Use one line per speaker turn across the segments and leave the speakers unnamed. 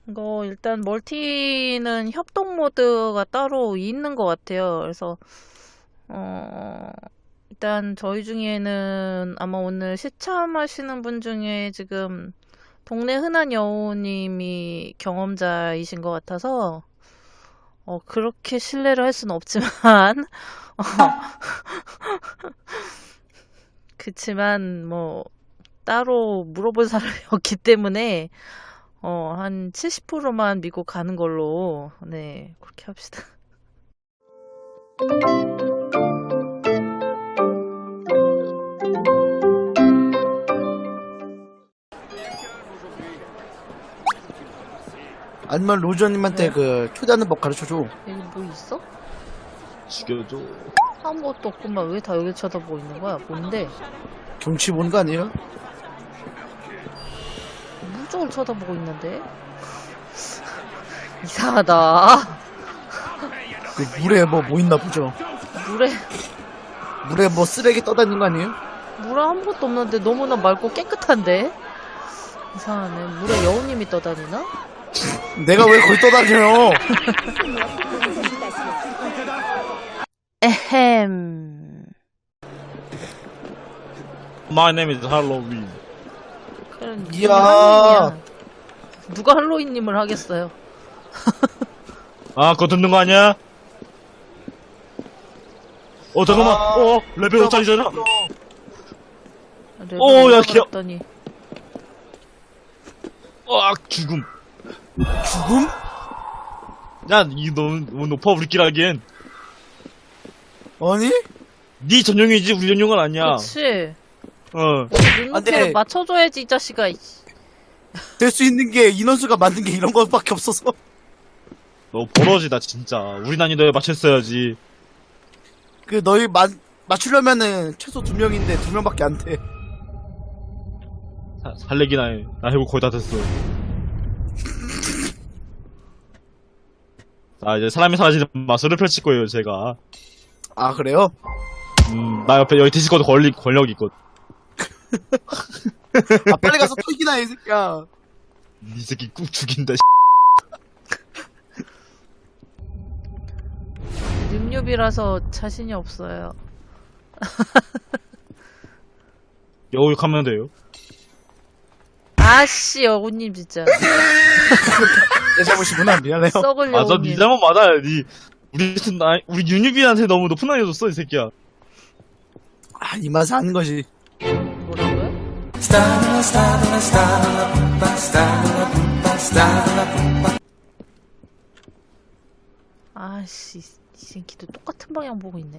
이거 일단 멀티는 협동 모드가 따로 있는 것 같아요. 그래서 일단 저희 중에는 아마 오늘 시참하시는 분 중에 지금 동네 흔한 여우님이 경험자이신 것 같아서 그렇게 신뢰를 할 수는 없지만 어, 그치만 뭐 따로 물어볼 사람이 없기 때문에 한 70%만 믿고 가는 걸로 네 그렇게 합시다.
아니면 로저님한테
네?
그 초대하는 법 가르쳐줘.
여기 뭐 있어?
죽여줘.
아무것도 없구만. 왜 다 여기 쳐다보고 있는 거야? 뭔데?
경치 보는 거 아니에요?
물 쪽을 쳐다보고 있는데? 이상하다.
그 물에 뭐 있나 보죠.
물에
물에 뭐 쓰레기 떠다니는 거 아니에요?
물에 아무것도 없는데 너무나 맑고 깨끗한데? 이상하네. 물에 여우님이 떠다니나?
내가 왜 거기 떠다녀요?
에헴.
My name is Halloween.
그럼
이야.
할로윈이야. 누가 할로윈님을 하겠어요?
아, 그거 듣는 거 아니야? 잠깐만. 레벨 5짜리잖아. 야, 귀여워.
더니
죽음.
죽음?
야, 이거 너무 높아, 우리끼리 하기엔.
아니?
네 전용이지, 우리 전용은 아니야.
그치.
어.
눈높이를
네.
맞춰줘야지 이 자식아.
될 수 있는 게 인원수가 맞는 게 이런 것밖에 없어서.
너 버러지다, 진짜. 우리 난이도에 맞췄어야지.
그 너희 맞추려면은 최소 2명인데 2명밖에 안 돼.
살래기나 해. 나 해볼 거의 다 됐어. 자, 이제 사람이 사라지는 마술을 펼칠 거예요, 제가.
아 그래요?
나 옆에 여기 디스코드 권력 있거든.
아 빨리 가서 털기나 해, 이 새끼야.
이 새끼 꾹 죽인다,
뉴뉴비라서 자신이 없어요.
여우욕하면 돼요.
아씨 여우님 진짜
내 잘못이구나. 미안해요.
썩을
맞아, 니
여우님.
잘못 맞아. 우리 윤유빈한테 너무 높은 난이도 줬어, 이 새끼야.
아, 이 맛에 하는 것이.
뭐라고요? 아씨 이 새끼도 똑같은 방향 보고 있네.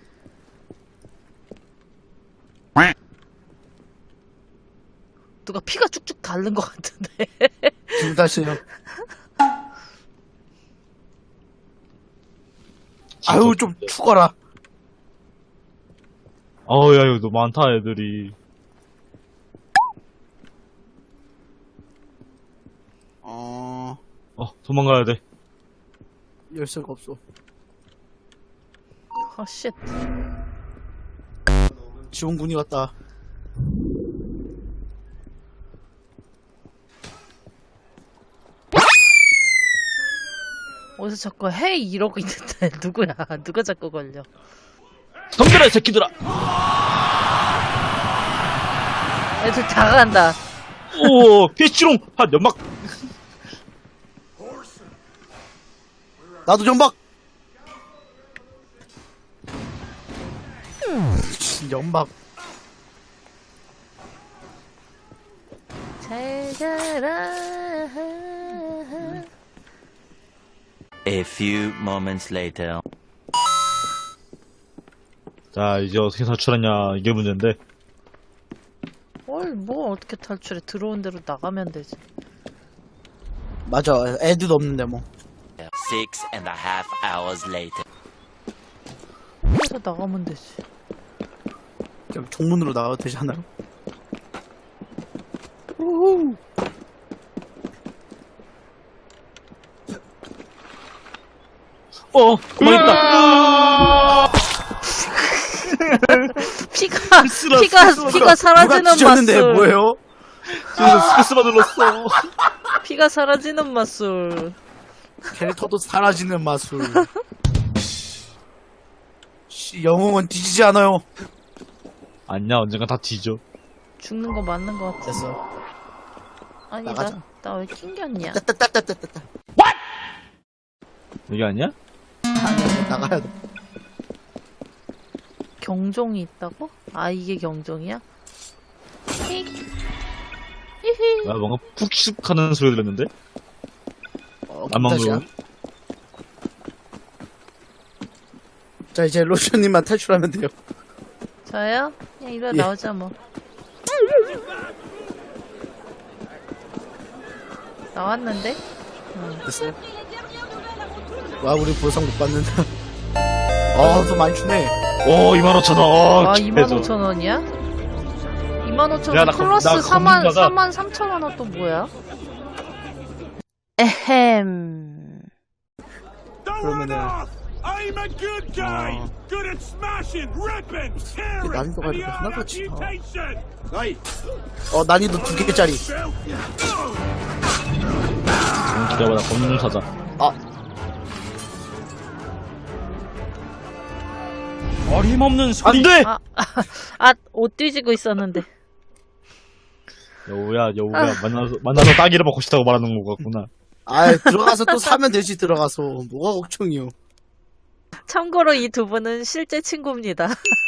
누가 피가 쭉쭉 닳는 것 같은데.
지금 다시요. 아유 좀 죽어라.
야, 이거 너무 많다, 애들이. 도망가야 돼.
열쇠가 없어.
아 쉣.
지원군이 왔다.
어디서 자꾸 헤이 이러고 있는데 누구야? 누가 자꾸 걸려?
덤벼라, 이 새끼들아!
애들 다 간다.
피치롱! 연막!
나도 연막. 연막.
잘 가라.
A few moments later.
자, 이제 어떻게 탈출하냐, 이게 문제인데.
뭐 어떻게 탈출해? 들어온 대로 나가면 되지.
맞아. 애들도 없는데 뭐.
6.5 hours later.
그래서 나가면 되지.
그냥 종문으로 나가도 되잖아요. 우후.
가만히 있다!
피가 사라지는
누가 뒤졌는데
맛을.
뭐예요?
지금 스페이스바 눌렀어.
피가 사라지는 마술.
캐릭터도 사라지는 마술. 씨, 영웅은 뒤지지 않아요.
아니야, 언젠가 다 뒤져.
죽는 거 맞는 거 같아.
됐어.
아니,
나가자.
나 왜 낑겼냐?
따따따따따따.
여기 아니야?
아니, 나가야 돼.
경종이 있다고? 아, 이게 경종이야? 휙. 히히.
아, 뭔가 푹슉 하는 소리 들렸는데? 안 먹는
다시야.
거.
자, 이제 로션님만 탈출하면 돼요.
저요? 그냥 이리
예.
나오자, 뭐. 나왔는데?
됐어요? 와, 우리 보상 못 받는다. 또 많이 주네.
오, 25,000원.
아, 25,000원이야? 25,000원
야, 나
플러스
나
43,000원 또 뭐야? 에헴.
그러면은
I'm a good guy, good at smashing, ripping, tearing,
난이도가
and
이렇게
the
하나같이
amputation.
난이도 2개짜리.
기다려봐, 검문 사자. 어림없는 소리. 안 돼!
옷 뒤지고 있었는데.
여우야, 만나서 따기를 먹고 싶다고 말하는 거 같구나.
들어가서 또 사면 되지, 들어가서. 뭐가 걱정이요.
참고로 이 두 분은 실제 친구입니다.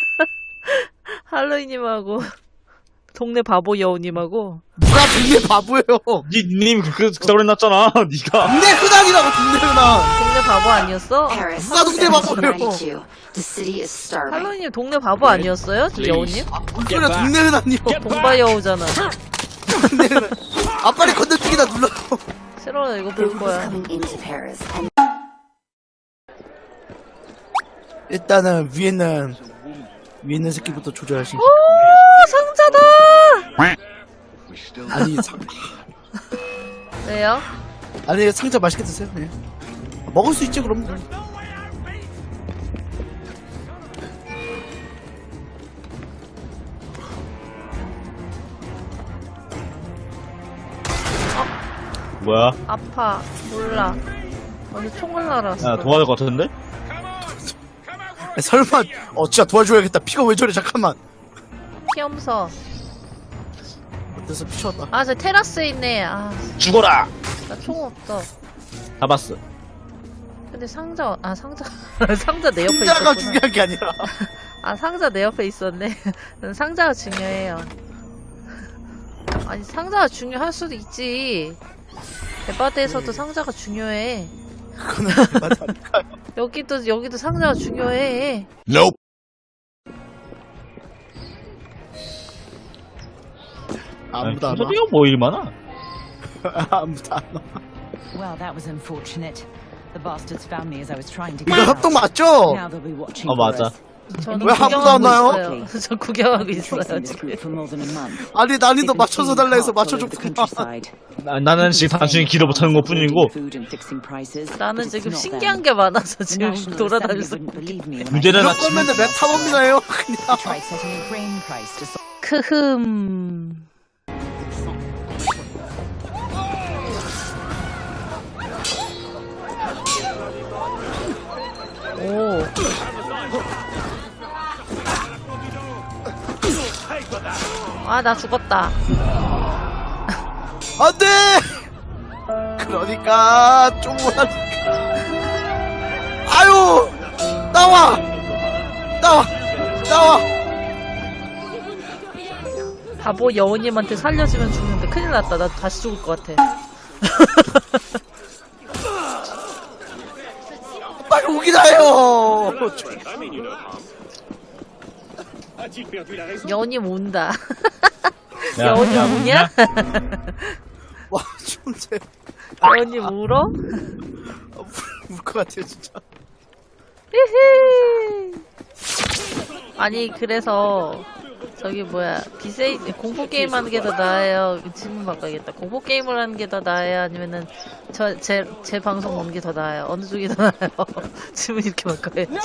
할로이님하고 동네 바보 여우님하고.
누가 동네 바보예요.
님 그따구 해놨잖아, 니가.
동네 흔한이라고, 동네 흔한.
동네 바보 아니었어?
Paris,
누가 동네 바보예요.
1792. The city is starving.
할로이님 동네 바보 아니었어요? 여우님?
뭔 소리야, 동네 흔한이요.
동바 여우잖아.
동네 흔한. 빨리 건너뛰기나 눌러.
싫어, 이거 볼
Who's
거야.
coming into Paris? And
일단은 위에 있는 새끼부터 조절하시.
오, 상자다!
아니,
왜요?
아니, 상자 맛있게 드세요, 그냥. 먹을 수 있지, 그럼.
뭐야?
아파. 몰라. 어디 총을 날았어.
야, 도와줄 것 같은데?
설마, 진짜 도와줘야겠다. 피가 왜 저래, 잠깐만.
피엄서.
어때서 피쳤다.
아, 저 테라스에 있네. 아,
죽어라!
나 총 없어.
잡았어.
근데 상자 상자 내 옆에
상자가
있었구나.
중요한 게 아니라.
아, 상자 내 옆에 있었네. 상자가 중요해요. 아니, 상자가 중요할 수도 있지. 대바대에서도 상자가 중요해.
그거는 맞다니까요.
여기도 상자가 중요해.
아무도 안 와.
순서대가 뭐 일 많아?
아무도 안 와.
Well, that was unfortunate. The bastards found me as I was trying to
이거
get
협동
out.
맞죠?
Now they'll be watching
어,
for
맞아.
us.
저는
왜 아무도 안 와요?
있어요. 저 구경하고 있어요,
Tracing this
지금.
group for more than a month.
아니, 난이도
They've been
맞춰서
stealing
달라 해서
carts all over the
맞춰줬구나.
countryside.
나는 지금 단순히 길을 못 찾는 것 뿐이고,
Food and fixing prices,
나는
but it's
지금
not
신기한
them.
게 많아서
The
지금
National
돌아다니면서.
Assembly wouldn't believe me when I
문제는
이럴
나
거면 내 탐험이나요? 그냥.
tried setting a grain price to
크흠. 오. 아, 나 죽었다.
안 돼! 그러니까, 쪼그라니까. 아유! 나와!
바보 여우님한테 살려주면 죽는데 큰일 났다. 나 다시 죽을 것 같아.
빨리 오긴 해요!
여우님 온다.
야,
여우님
야,
우냐?
와, 존재.
여우님 울어?
울것 같아요, 진짜.
히히. 아니, 그래서 저기 뭐야, 공포 게임 하는 게 더 나아요? 질문 바꿔야겠다. 공포 게임을 하는 게 더 나아요? 아니면은 제 방송 보는 게 더 나아요? 어느 쪽이 더 나아요? 질문 이렇게 바꿔야지.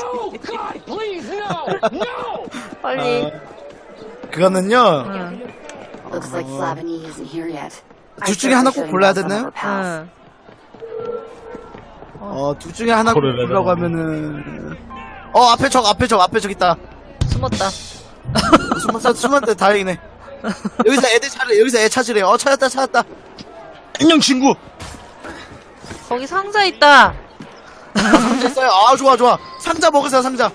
빨리.
그거는요,
응.
looks like Flavigny isn't here yet.
둘 중에 하나 꼭 골라야 되나요?
응.
둘 중에 하나 꼭
고르래요.
골라고 하면은 앞에 적 있다.
숨었다.
숨었는데 다행이네. 여기서 애 찾으래. 찾았다.
안녕 친구.
거기 상자 있다.
됐어요. 좋아. 상자 먹으세요, 상자.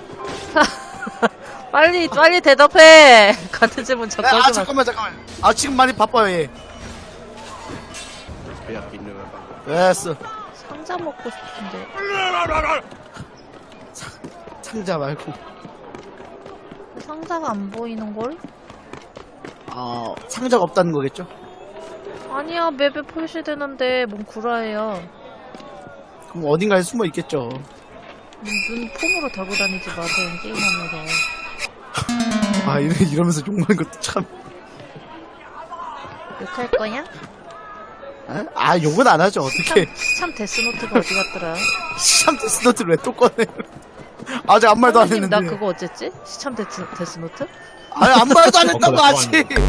빨리 대답해. 같은 질문 자꾸 하지 마.
잠깐만. 지금 많이 바빠요, 얘. 됐어.
상자 먹고 싶은데.
상자 말고.
상자가 안 보이는 걸?
상자가 없다는 거겠죠?
아니야, 맵에 표시되는데 뭔 구라예요.
그럼 어딘가에 숨어 있겠죠.
눈 폼으로 달고 다니지 마세요, 게임하면서.
이러면서 욕하는 것도 참.
욕할 거냐?
욕은 안 하죠, 어떻게.
참 데스노트가 어디 갔더라?
시참 데스노트를 왜 또 꺼내? 아직 아무 말도 안
선생님,
했는데.
나 그거 어쨌지? 시참 데스노트?
아무 말도 안 했다고, 아직.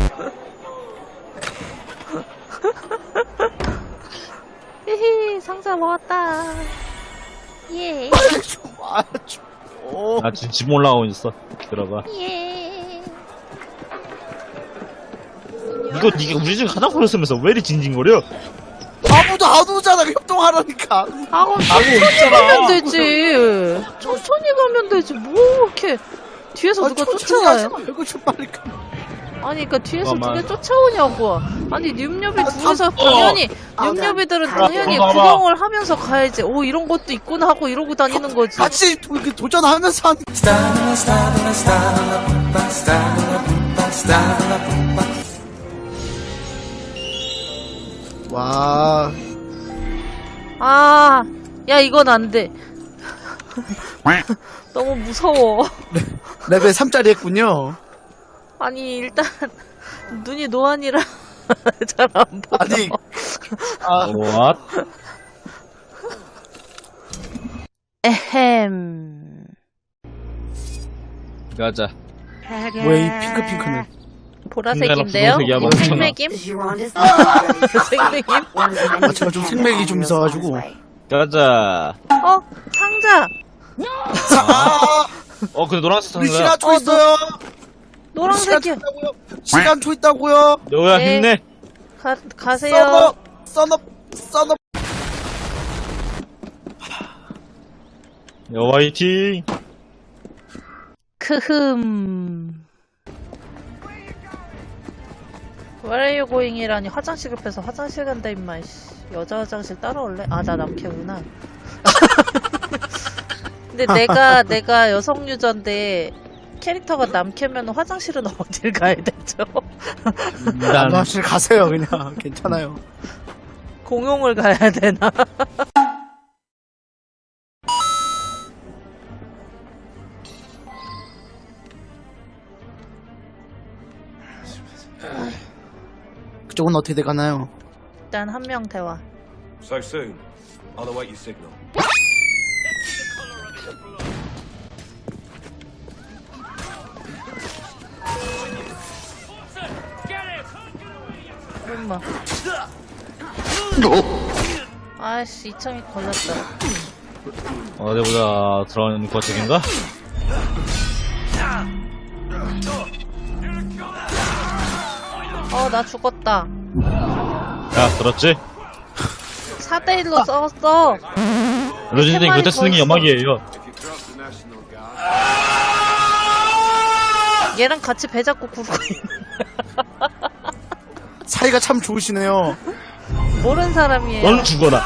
히히, 상자 먹었다. 예.
나 지금 집 올라가고 있어. 들어가.
예.
이거 네가 우리 중에 가장 걸렸으면서 왜 이리 징징거려?
아무도 안 오잖아, 협동하라니까.
천천히 가면 되지. 천천히 가면 되지. 뭐 이렇게 뒤에서 누가
천천히 하지
쫓아와요?
말고 좀 빨리 가.
아니, 그러니까 뒤에서
잠깐만.
누가 쫓아오냐고. 아니, 뉴엽이 둘이서 당연히 뉴엽이들은 당연히
봐봐.
구경을 하면서 가야지. 오, 이런 것도 있구나 하고 이러고 다니는 거지.
같이 도전하면서 하는. 와.
아, 야, 이건 안 돼. 너무 무서워.
레벨 3짜리 했군요.
아니, 일단 눈이 노안이라 잘 안 보여.
아니,
What?
에헴.
가자.
뭐야, 이 핑크는.
보라색인데요?
분갈아
이거
분홍색이야,
생맥임?
Gironda's
생맥임?
제가 좀 생맥이 좀 있어가지고.
가자.
상자!
근데 노란색
우리
상자야.
시간초 있어요.
노란색이야.
시간초 있다고요.
너야
네.
힘내.
가세요.
써너.
여 화이팅.
크흠. Where are you going이라니 화장실 급해서 화장실 간다 임마. 씨. 여자 화장실 따라올래? 아, 나 남캐구나. 근데 내가 여성 유저인데 캐릭터가 남캐면 화장실은 어딜 가야 되죠?
일단
화장실 가세요, 그냥. 괜찮아요.
공용을 가야 되나?
그쪽은 어떻게 돼가나요?
일단 한 명 대화.
So soon. I'll await your signal.
엄마. 아이씨, 이참이 걸렸다.
어디 보자. 들어가는 거 저긴가?
나 죽었다.
야, 들었지?
4대1로 싸웠어.
로진님 그때 쓰는 게 연막이에요.
얘랑 같이 배 잡고 구르고 있는.
사이가 참 좋으시네요.
모르는 사람이에요.
넌 죽어라.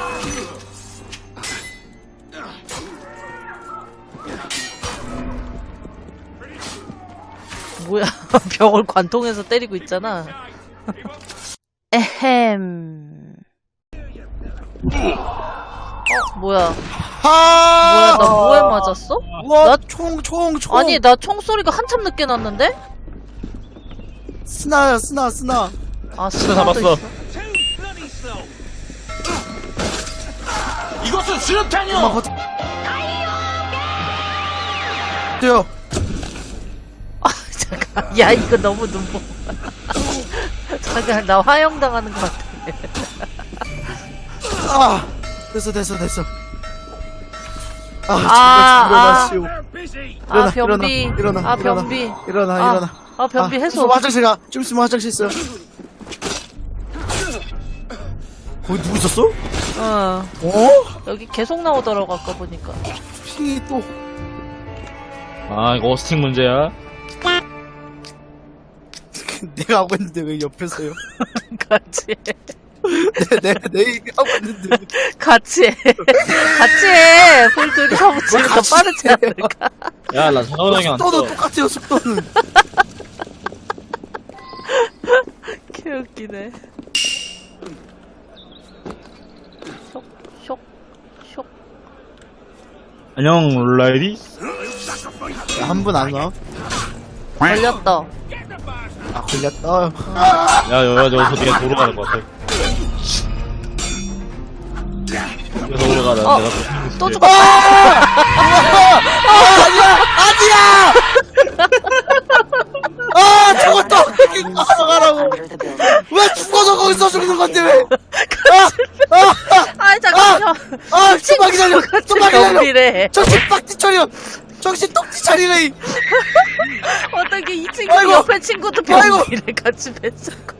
뭐야, 벽을 관통해서 때리고 있잖아. 에헴. 뭐야. 뭐야, 나 뭐에 맞았어?
우와,
나-
총.
아니, 나 총소리가 한참 늦게 났는데?
스나.
아,
스나 잡았어.
이것은 수류탄이요!
엄마 돼요.
잠깐. 야, 이거 너무 눈보. 잠깐, 나 화형 당하는 것 같아.
아 됐어 됐어 됐어.
아,
제발 일어나시오.
They're busy.
아, 변비.
일어나
아, 변비.
일어나
아,
일어나.
아, 변비
좀
해소.
있으면 화장실 가. 좀 있으면 화장실 있어. 거기 누구 있었어?
어.
어?
여기 계속 나오더라고, 아까 보니까.
핑이 또.
아, 이거 어스팅 문제야.
내가 하고 있는데 왜 옆에서요?
같이 해.
내 얘기하고 있는데.
같이 해. 같이 해. 볼 둘이서 붙이면 더
같이
빠르지
해요?
않을까?
야, 나 상호형이 안
속도도
떠.
똑같아요 속도는.
개웃기네. 쇽, 쇽.
안녕, 라이디?
한 분 안 와?
걸렸다.
아 걸렸다.
야, 여기서 네가 도로 가는 것 같아. 여기서 올라가다
어,
내가
또 죽었다.
아니야! 아 저것도 어떻게 가라고.
under the building.
왜 죽어서 거기서 죽는 건데 왜?
아, 잠깐만요.
아 좀만 기다려. 좀만 기다려.
변비래.
정신 빡지 차려. 정신 똑지 차리래.
어떻게 이 친구
아이고.
옆에 친구도
아이고.
변비래 같이 뱉었고.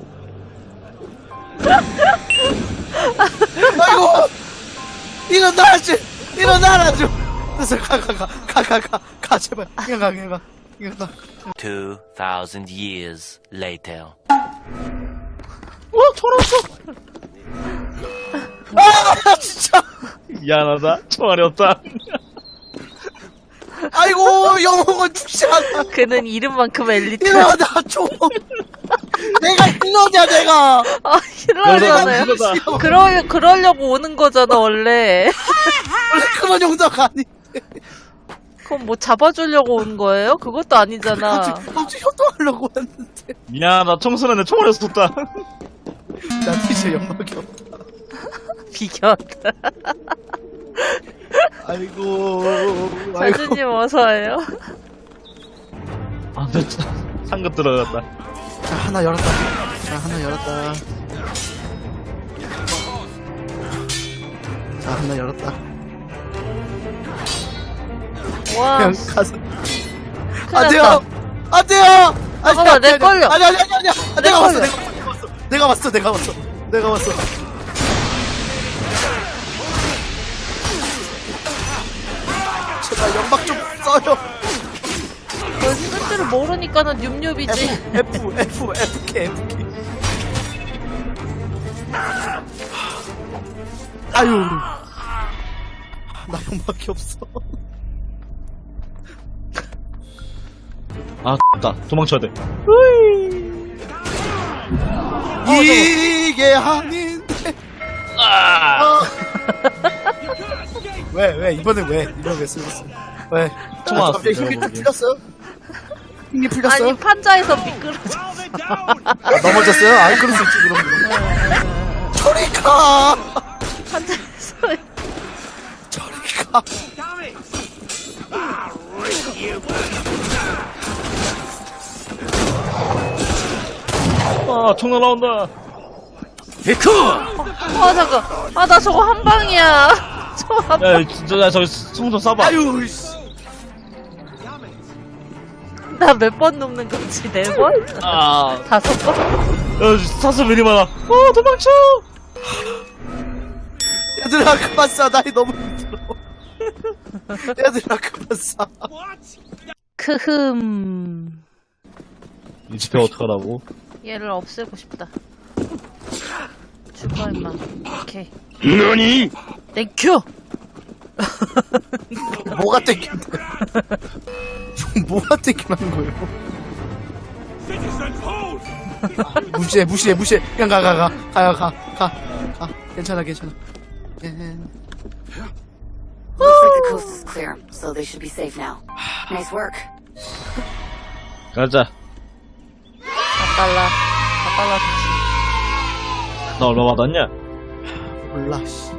아이고 일어나지 일어나라 좀. 그래서 가 제발. 그냥 가.
2,000 years later.
아 진짜.
미안하다. 총알이 없다.
아이고 영웅은 죽지 않아.
그는 이름만큼 엘리트.
일어나 좀. 내가 힐러냐 내가.
아, 힐러잖아요.
힐러다.
그러려고 오는 거잖아, 원래.
원래 그런 용도가 아니.
그럼 뭐 잡아주려고 온 거예요? 그것도 아니잖아.
갑자기 효도하려고 했는데.
미안하다. 청소년에 총알이 없었다.
나 진짜 영막이 없다.
비견.
아이고.
사주님 어서와요.
아, 됐다. 상급 들어갔다.
자 하나 열었다. 자 하나 열었다.
와,
그냥 가서.
큰일
안돼요.
났다.
안돼요.
잠깐만, 내 걸려.
아니. 내가
걸려.
왔어. 내가 왔어. 제발 연막 좀 써요.
쓸 줄을 모르니까는 늉늉이지.
FK. 아유. 나 연막이 없어.
아, 됐다. 도망쳐야 돼.
이게 아닌데.
아!
왜 이번에 왜 쓰겠어? 왜?
총 왔어,
갑자기
내가
힘이 딱
보기엔.
풀렸어요? 힘이 풀렸어요?
아니, 판자에서 미끄러져.
Calm it down.
아, 넘어졌어요? 아이 그럴 수 있지 그럼. 저리 가.
판자에서.
저리 가.
Damn it. Ah, rip you.
아, 총 날아온다.
아, 잠깐. 아, 나 저거 한 방이야. 저거 한 방.
야, 진짜, 야, 저기 총 좀 쏴봐.
아유 씨.
나 몇 번 눕는 거지? 4번?
아,
5번?
야, 사슬 왜 이리 많아. 도망쳐!
얘들아 그만 쏴. 나이 너무 힘들어. 얘들아 그만 쏴.
What?
크흠.
이 집에 어떡하라고?
얘를 없애고 싶다. 죽어, 임마. 오케이.
너니?
땡큐!
뭐가 땡긴데? 뭐가 땡기는 거예요?
Citizens, hold.
무시해. 그냥 가. 괜찮아.
Looks like the coast is clear, so they should be safe now. Nice work.
가자.
4달러. 4달러.
나 얼마 받았냐?
몰라 씨.